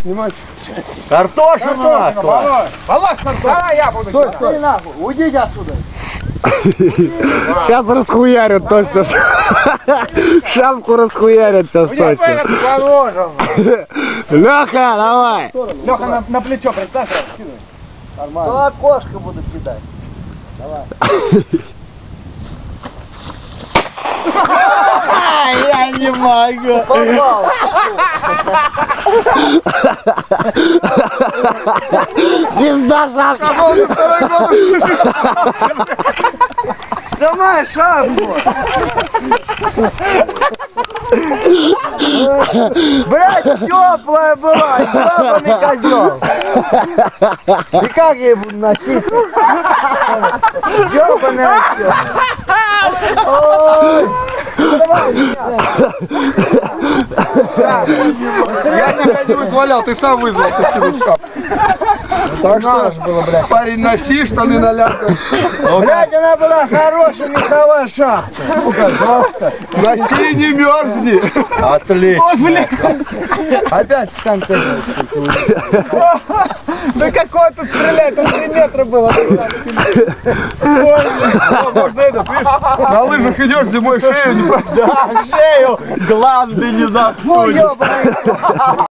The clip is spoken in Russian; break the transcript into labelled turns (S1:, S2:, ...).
S1: Снимать.
S2: Картошину нахуй.
S1: Положь картошину. Давай я буду.
S2: Стой, нахуй. Уйдите отсюда.
S3: Сейчас расхуярят точно. Шапку расхуярят сейчас точно.
S1: Положим.
S3: Леха, давай.
S1: Леха, на плечо представь.
S2: Нормально. То окошко буду кидать. Давай.
S3: Я не могу.
S2: Попал.
S3: Пизда шапка.
S2: Снимай шапку. Блядь, теплая была, ебаный козел. И как я ее буду носить? Ебаный осел. Ой. Давай,
S1: Я тебя не вызволял, ты сам вызвался кинуть шапку. Так что,
S2: было, блядь.
S1: парень, носи штаны на лямках.
S2: Блядь, она была хорошая меховая шапка.
S1: Носи и не мерзни.
S2: Отлично. Опять станция.
S1: Да какой тут стрелять, тут 3 метра было. Можно этот, видишь, на лыжах идешь зимой, шею не прости.
S3: Шею, гланды не заснуть.
S2: Ну, ебаный.